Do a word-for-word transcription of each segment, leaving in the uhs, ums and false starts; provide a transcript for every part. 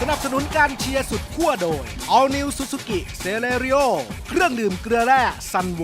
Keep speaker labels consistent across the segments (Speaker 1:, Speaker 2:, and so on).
Speaker 1: นับสนุนการเชียร์สุดขั้วโดย All New Suzuki Celerio เครื่องดื่มเกลือแร่ซันโว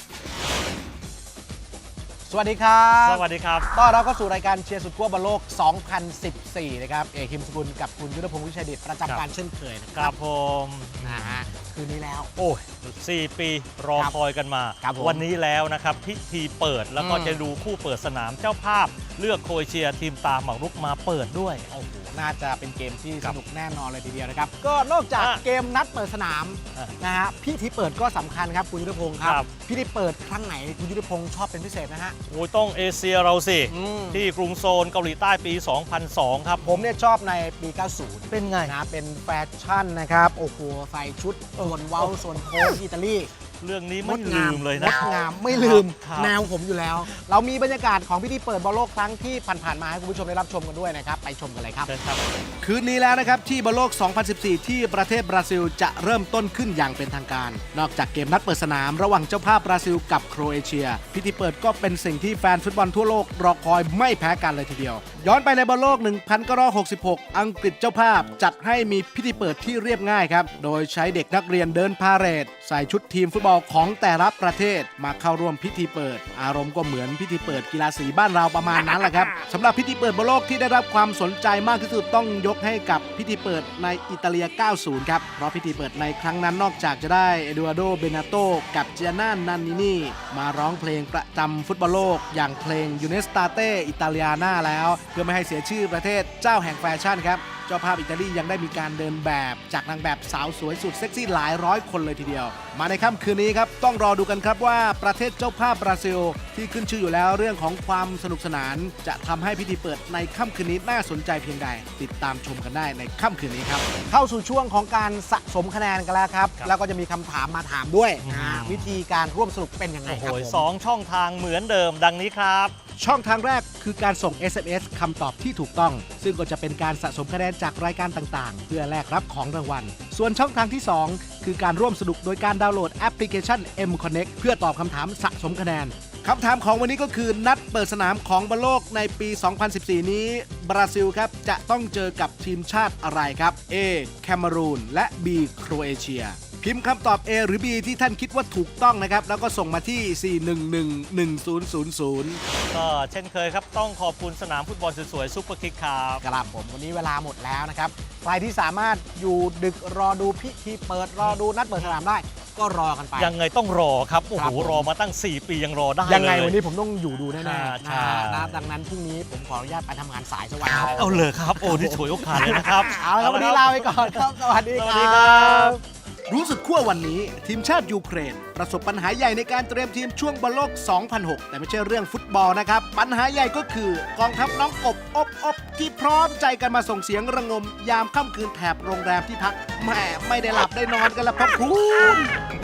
Speaker 1: สวัสดีครับ
Speaker 2: สวัสดีครับ
Speaker 1: ต้อนรับเข้าสู่รายการเชียร์สุดขั้วบอลโลก สองพันสิบสี่ นะครับ เอกคิมสกุลกับคุณยุทธพงศ์วิชัยดิตประจำการเช่นเคยนะค
Speaker 2: ค
Speaker 1: รั
Speaker 2: รั
Speaker 1: บบ
Speaker 2: ผม
Speaker 1: นะฮะคืนนี้แล้ว
Speaker 2: โอ้ยสี่ปีรอ
Speaker 1: ครับ
Speaker 2: คอยกันมา
Speaker 1: ครับผม
Speaker 2: วันนี้แล้วนะครับ พิธีเปิดแล้วก็
Speaker 1: อืม
Speaker 2: จะดูคู่เปิดสนามเจ้าภาพเลือกโครเอเชียทีมตามหมากรุกมาเปิดด้วย
Speaker 1: โอ้โหน่าจะเป็นเกมที่
Speaker 2: ค
Speaker 1: ส
Speaker 2: รับ
Speaker 1: นุกแน่นอนเลยทีเดียวนะครับ ก็นอกจาก
Speaker 2: อ่ะ
Speaker 1: เกมนัดเปิดสนาม
Speaker 2: อ่ะ
Speaker 1: นะฮะพิธีเปิดก็สำคัญครับคุณยุทธพงศ์ครับ
Speaker 2: ครับ
Speaker 1: พิธีเปิดครั้งไหนคุณยุทธพงศ์ชอบเป็นพิเศษนะฮะ
Speaker 2: โอ้ยต้องเอเชียเราสิ
Speaker 1: อืม
Speaker 2: ที่กรุงโซลเกาหลีใต้ปี สองพันสอง ครับ
Speaker 1: ผมเนี่ยชอบในปี เก้าสิบ
Speaker 2: เป็นไง
Speaker 1: นะเป็นแฟชั่นนะครับ โอ้โหใส่ชุดส่วนเว้าส่วนโค้งอิตาลี
Speaker 2: เรื่องนี้ไม่ลืมเลย
Speaker 1: ง
Speaker 2: นะ
Speaker 1: ดงามไม่ลืม
Speaker 2: ครับ
Speaker 1: แนวผมอยู่แล้ว เรามีบรรยากาศของพิธีเปิดบอลโลกครั้งที่ผ่านๆมาให้คุณผู้ชมได้รับชมกันด้วยนะครับ ไปชมกันเลยครับ
Speaker 2: เชิญครับ
Speaker 1: คืนนี้แล้วนะครับที่บอลโลก สองพันสิบสี่ ที่ประเทศบราซิลจะเริ่มต้นขึ้นอย่างเป็นทางการ นอกจากเกมนัดเปิดสนามระหว่างเจ้าภาพบราซิลกับโครเอเชีย พิธีเปิดก็เป็นสิ่งที่แฟนฟุตบอลทั่วโลกรอคอยไม่แพ้กันเลยทีเดียว ย้อนไปในบอลโลก หนึ่งพันเก้าร้อยหกสิบหก อังกฤษเจ้าภาพจัดให้มีพิธีเปิดที่เรียบง่ายครับ โดยใช้เด็กนักเรียนเดินพาเหรดใส่ชุดทีมฟุตบอลของแต่ละประเทศมาเข้าร่วมพิธีเปิด อารมณ์ก็เหมือนพิธีเปิดกีฬาสีบ้านเราประมาณนั้นแหละครับสำหรับพิธีเปิดบอลโลกที่ได้รับความสนใจมากที่สุดต้องยกให้กับพิธีเปิดในอิตาเลีย เก้าสิบ ครับ เพราะพิธีเปิดในครั้งนั้นนอกจากจะได้เอดูอาร์โด เบนาโตกับเจียน่า นันนินีมาร้องเพลงประจำฟุตบอลโลกอย่างเพลงยูเนสตาเตอิตาเลียนาแล้ว เพื่อไม่ให้เสียชื่อประเทศเจ้าแห่งแฟชั่นครับ เจ้าภาพอิตาลียังได้มีการเดินแบบจากนางแบบสาวสวยสุดเซ็กซี่หลายร้อยคนเลยทีเดียว มาในค่ำคืนนี้ครับต้องรอดูกันครับว่าประเทศเจ้าภาพบราซิลที่ขึ้นชื่ออยู่แล้วเรื่องของความสนุกสนาน จะทำให้พิธีเปิดในค่ำคืนนี้น่าสนใจเพียงใด ติดตามชมกันได้ในค่ำคืนนี้ครับเข้าสู่ช่วงของการสะสมคะแนนกันแล้วครับ
Speaker 2: ครับ
Speaker 1: แล้วก็จะมีคำถามมาถามด้วย
Speaker 2: อืม
Speaker 1: นะวิธีการร่วมสนุกเป็นยังไง
Speaker 2: โอ้โห
Speaker 1: ครับผม
Speaker 2: สองช่องทางเหมือนเดิมดังนี้ครับ
Speaker 1: ช่องทางแรกคือการส่ง เอส เอ็ม เอส คำตอบที่ถูกต้อง ซึ่งก็จะเป็นการสะสมคะแนนจากรายการต่างๆ เพื่อแลกรับของรางวัล ส่วนช่องทางที่ สอง คือการร่วมสนุกโดยการดาวน์โหลดแอปพลิเคชัน M Connect เพื่อตอบคำถามสะสมคะแนนคำถามของวันนี้ก็คือนัดเปิดสนามของบอลโลกในปี สองพันสิบสี่ นี้ บราซิลครับจะต้องเจอกับทีมชาติอะไรครับ A แคเมรูนและ B โครเอเชียพิมพ์คำตอบ A หรือ B ที่ท่านคิดว่าถูกต้องนะครับแล้วก็ส่งมาที่ สี่ หนึ่ง หนึ่ง หนึ่ง ศูนย์ ศูนย์ ศูนย์
Speaker 2: ก็เช่นเคยครับต้องขอบคุณสนามฟุตบอลสวยๆซุปเปอร์คิกครับ
Speaker 1: ครับผมวันนี้เวลาหมดแล้วนะครับใครที่สามารถอยู่ดึกรอดูพิธีเปิดรอดูนัดเปิดสนามได้ก็รอกันไป
Speaker 2: ยังไงต้องรอครับ โอ้
Speaker 1: ครั
Speaker 2: โห
Speaker 1: บผม
Speaker 2: รอมาตั้ง สี่ ปียังรอได้เลย
Speaker 1: ยังไงวันนี้ผมต้องอยู่ดูแน่ๆนะ
Speaker 2: ใช่
Speaker 1: นะดังนั้นพรุ่งนี้ผมขออนุญาตไปทำงานสายสักวัน
Speaker 2: ครับเอาเลยครับ โอ้นี่ฉวยโอกาสเลยนะครับ
Speaker 1: เอาละครับวันนี้ลาไปก่อนครับสวัสดี
Speaker 2: ส
Speaker 1: ค
Speaker 2: วัสดี
Speaker 1: รั
Speaker 2: ครับ
Speaker 1: บรู้สึกขั้ววันนี้ทีมชาติยูเครน ประสบปัญหาใหญ่ในการเตรียมทีมช่วงบอลโลก สองพันหก แต่ไม่ใช่เรื่องฟุตบอลนะครับปัญหาใหญ่ก็คือกองทัพน้องอบอบอบที่พร้อมใจกันมาส่งเสียงระงมยามค่ำคืนแถบโรงแรมที่พักแหมไม่ได้หลับได้นอนกันละครับคุณ